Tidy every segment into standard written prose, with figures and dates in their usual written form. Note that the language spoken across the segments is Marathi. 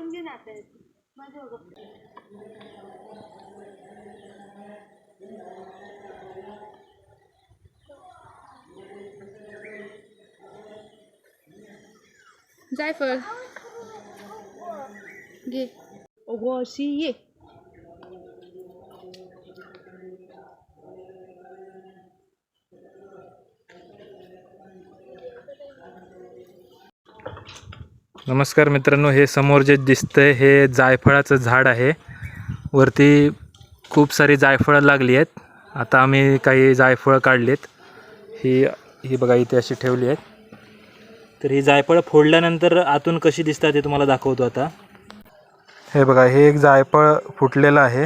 जायफळ घे. ओगो अशी ये. नमस्कार मित्रांनो, हे समोर जे दिसतंय हे जायफळाचं झाड आहे. वरती खूप सारी जायफळं लागली आहेत. आता आम्ही काही जायफळं काढलीत. ही बघा इथे अशी ठेवली आहेत. तर ही जायफळं फोडल्यानंतर आतून कशी दिसतात हे तुम्हाला दाखवतो आता. हे बघा, हे एक जायफळ फुटलेलं आहे.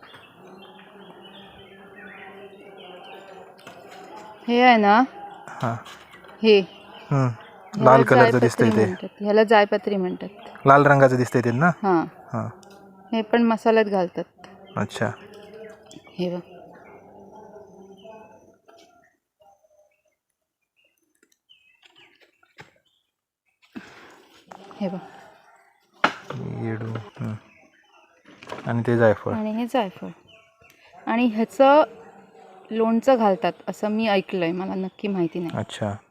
हे आहे ना, हां, हे लाल कलरचं दिसतंय ते. ह्याला जायपत्री म्हणतात. लाल रंगाचं दिसतंय ते ना. हां हां, हे पण मसाल्यात घालतात. अच्छा. हे बघ, हे बघ, येडू. आणि ते जायफळ. आणि हे जायफळ. आणि ह्याचं लोणचं घालतात असं मी ऐकलंय, मला नक्की माहिती नाही. अच्छा.